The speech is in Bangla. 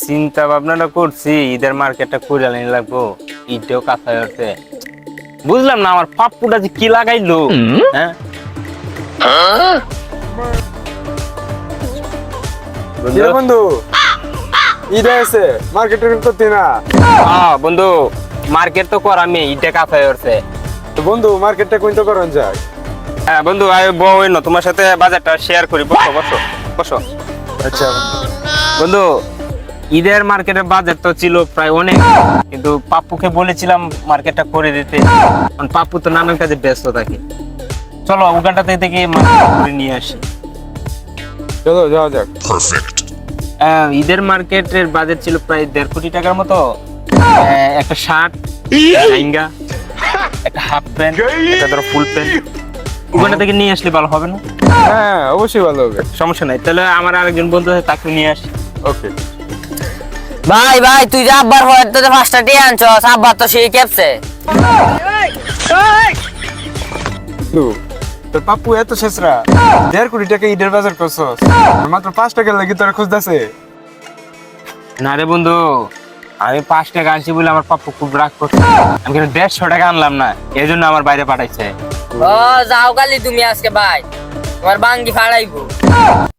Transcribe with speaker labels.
Speaker 1: চিন্তা ভাবনাটা করছি ঈদের মার্কেটটা করে আনি লাগবো, ঈদটাও কাছায় হচ্ছে। বুঝলাম না আমার পাপ্পুটা যে কি লাগাইলো। হ্যাঁ
Speaker 2: কিরে বন্ধু, ঈদ আছে মার্কেট করতে না?
Speaker 1: বন্ধু মার্কেট তো করামি, ঈদটা কাছায় হচ্ছে।
Speaker 2: তো বন্ধু মার্কেটটা কোনটা করন যায়?
Speaker 1: হ্যাঁ বন্ধু আমি বই না তোমার সাথে বাজারটা শেয়ার করি, বসো বসো বসো।
Speaker 2: আচ্ছা
Speaker 1: বন্ধু ঈদের মার্কেটের বাজার তো ছিল প্রায় অনেক, কিন্তু পাপ্পুকে বলেছিলাম মার্কেটটা করে দিতে, কারণ পাপ্পু তো নানান কাজে ব্যস্ত থাকে। চলো ওখানটা থেকে মার্কেট করে নিয়ে আসি।
Speaker 2: চলো যাওয়া যাক।
Speaker 1: ঈদের মার্কেটের বাজার ছিল প্রায় 1.5 কোটি টাকার মতো। একটা শার্ট, লেহেঙ্গা, একটা হাফ প্যান্ট, একটা ধরো ফুল প্যান্ট, ওখানটা থেকে নিয়ে আসলে ভালো হবে না?
Speaker 2: হ্যাঁ অবশ্যই ভালো হবে।
Speaker 1: সমস্যা নাই, তাহলে আমার আরেকজন বন্ধু আছে তাকে নিয়ে আসি।
Speaker 2: ওকে
Speaker 3: ভাই ভাই তুই যে আব্বার হয়ে তো 5টা টি আনছস, আব্বার তো সেই কেপছে।
Speaker 2: তোর পাপ্পু এত শেষরা 1.5 কোটি টাকা ঈদের বাজার করছস, মাত্র 5 টাকা লাগি তোর খুঁজতেছে।
Speaker 1: না রে বন্ধু, আমি 5 টাকা আনছি বলে আমার পাপ্পু খুব রাগ করছে। আমি কিন্তু 150 টাকা আনলাম না, এই জন্য আমার বাইরে পাঠাইছে।
Speaker 3: ও যাও কালি তুমি আজকে ভাই, তোমার বাঙ্গি ফাড়াইবো।